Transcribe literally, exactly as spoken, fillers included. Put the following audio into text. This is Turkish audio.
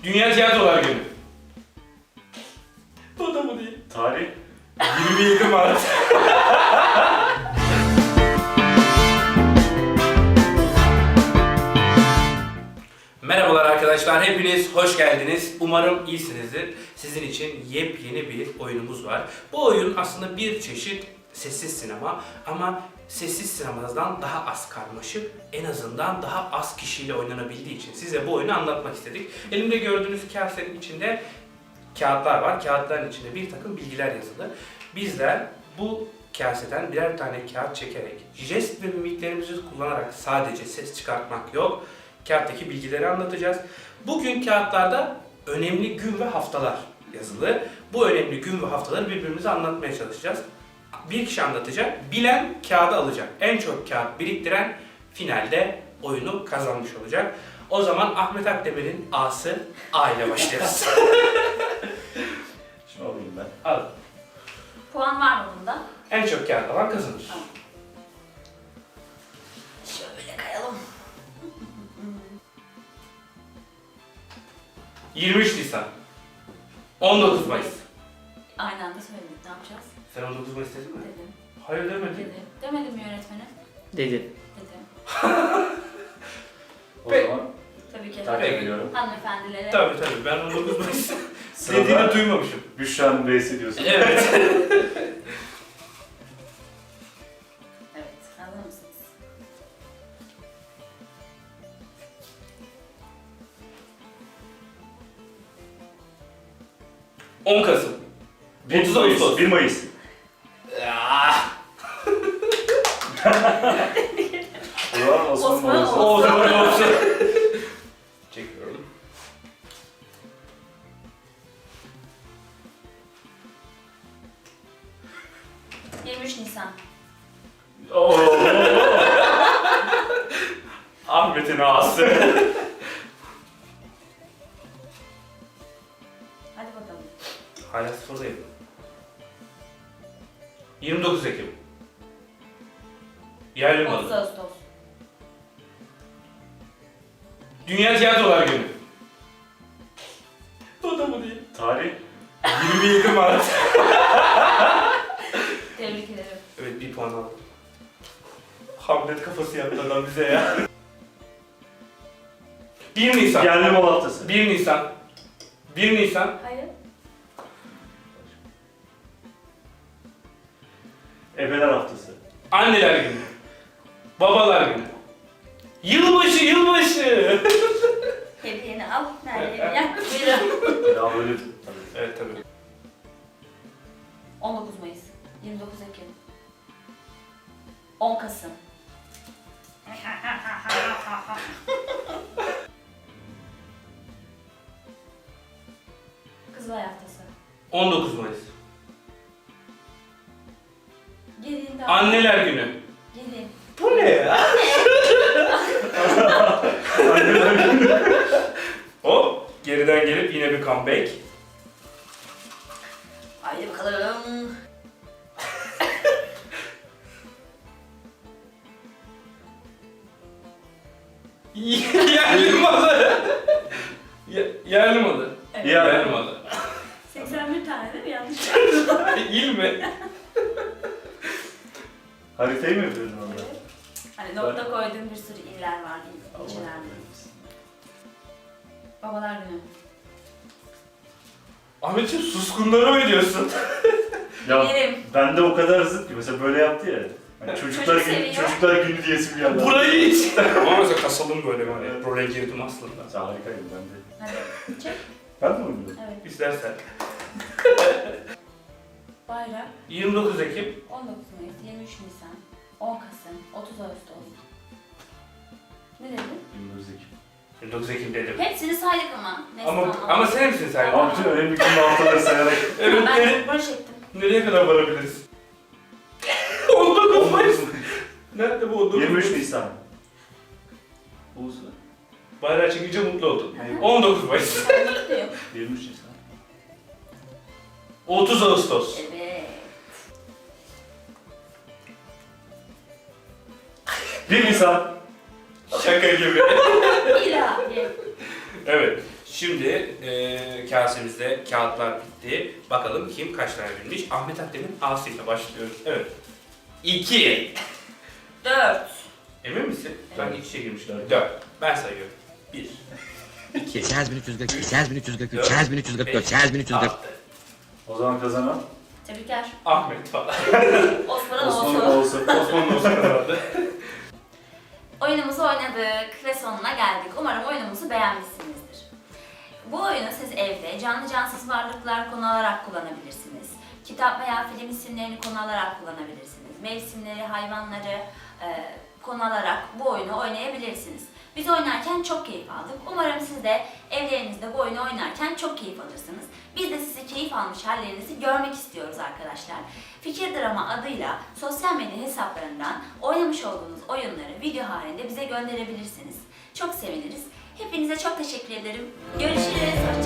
Dünya Tiyatrolar Günü. O da mı değil? Tarih. yirmi yedi Mart. Merhabalar arkadaşlar, hepiniz hoş geldiniz. Umarım iyisinizdir. Sizin için yepyeni bir oyunumuz var. Bu oyun aslında bir çeşit sessiz sinema ama sessiz sinemadan daha az karmaşık, en azından daha az kişiyle oynanabildiği için size bu oyunu anlatmak istedik. Elimde gördüğünüz kasenin içinde kağıtlar var. Kağıtların içinde bir takım bilgiler yazılı. Bizler bu kaseden birer tane kağıt çekerek, jest ve mimiklerimizi kullanarak sadece ses çıkartmak yok, kağıttaki bilgileri anlatacağız. Bugün kağıtlarda önemli gün ve haftalar yazılı. Bu önemli gün ve haftaları birbirimize anlatmaya çalışacağız. Bir kişi anlatacak, bilen kağıdı alacak. En çok kağıt biriktiren finalde oyunu kazanmış olacak. O zaman Ahmet Akdemir'in A'sı A ile başlıyoruz. Şunu alayım ben. Al. Puan var mı bunda? En çok kağıt alan kazanır. Tamam. Şöyle kayalım. yirmi üç Nisan. on dokuz Mayıs. Aynı anda söyledik. Ne yapacağız? Sen on dokuz Mayıs dedin mi? Dedim. Hayır demedin. Dedim. Demedim mi yönetmenim? Dedi. Dedim. O Peki. zaman Tabii ki. takip ediyorum. Hanımefendilere. Tabii tabii, ben on dokuz Mayıs dediğini Sırada duymamışım. Büşra'nın B'si diyorsun. Evet. Evet. Hazır mısınız? on Kasım. bir otuz Mayıs. Ağustos. bir Mayıs. Ah. O zaman Osman Osman Mayıs. olsun. O zaman olsun. Çekiyorum. yirmi üç Nisan. Oo. Ahmet'in A'sı. Hadi bakalım. Hala sıfırdayım. yirmi dokuz Ekim. Yerli otuz malı. Ağustos. Dünya Tiyatrolar Günü. O da mı değil? Tarih. yirmi yedi Mart. Tebrik ederim. Evet, bir puan aldım. Hamlet kafası yaptı adam bize ya. bir Nisan. Yerli mal haftası. bir Nisan. bir Nisan. Hayır. Ebeler haftası. Anneler Günü. Babalar Günü. Yılbaşı, yılbaşı. Hediyeni al. Nerede hediyem? Buyurun. Ya böyle Evet tabii. on dokuz Mayıs. yirmi dokuz Ekim. on Kasım. Kızılay Haftası. on dokuz Mayıs. Gelin daha. Anneler Günü. Gelin. Bu ne ya? Hop, geriden gelip yine bir comeback. Haydi bakalım. Yerli malı. Ye- Yerli malı. Evet. Ya. Yerli malı. seksen bir tane değil mi? Yanlış. İl mi? Haritayı mı yapıyordun orada? Hani nokta koyduğum bir sürü iller var. Allah ilçeler. kahretsin. Babalar Günü. Ahmetciğim suskunları mı ediyorsun? Ya Yerim. ben de o kadar zıt ki mesela böyle yaptı ya. Hani çocuklar Çocuk günü, seviyor. çocuklar günü diyesim geldi. Burayı hiç. Ama mesela kasalım böyle hani. Evet. Buraya girdim aslında. Sen harikaydın ben de. Hadi çek. Ben de mi oynadım? Evet. İstersen. Bayrak. yirmi dokuz Ekim. on dokuz Mayıs, yirmi üç Nisan, on Kasım, otuz Ağustos. Ne dedin? yirmi dokuz Ekim. yirmi dokuz Ekim dedim. Hepsini saydık ama. Neyse, Ama tamam. ama sen misin sen? Tamam. Abi bütün önemli gün haftaları sayarak. Evet, Ben nere- barış ettim. nereye kadar varabiliriz? on dokuz Mayıs. Nerede bu on dokuz yirmi üç Mayıs? Nisan. Uğuz. Bayrağı çekince mutlu oldum. Hı hı. on dokuz Mayıs. Ben mutluyum. yirmi üç Nisan. otuz Ağustos. Evet. bir Nisan. Şaka gibi. İlahi. Evet. Şimdi e, kasemizde kağıtlar bitti. Bakalım kim kaç tane bilmiş. Ahmet Akdemir A'sı ile başlıyoruz. Evet. iki. Dört. Emin misin? Ben iç içe girmişler. dört. Ben sayıyorum. bir. iki, sekiz bin üç yüz kırk iki, sekiz bin üç yüz kırk üç, sekiz bin üç yüz kırk dört, sekiz bin üç yüz kırk. altı. O zaman kazanan Tebrikler. Ahmet falan. Osman'ın Osman olsun. olsun. Osman olsun kazandı. Oyunumuzu oynadık ve sonuna geldik. Umarım oyunumuzu beğenmişsinizdir. Bu oyunu siz evde canlı cansız varlıklar konu alarak kullanabilirsiniz. Kitap veya film isimlerini konu alarak kullanabilirsiniz. Mevsimleri, hayvanları e, konu alarak bu oyunu oynayabilirsiniz. Biz oynarken çok keyif aldık. Umarım siz de evlerinizde bu oyunu oynarken çok keyif alırsınız. Biz de sizi keyif almış hallerinizi görmek istiyoruz arkadaşlar. Fikir Drama adıyla sosyal medya hesaplarından oynamış olduğunuz oyunları video halinde bize gönderebilirsiniz. Çok seviniriz. Hepinize çok teşekkür ederim. Görüşürüz.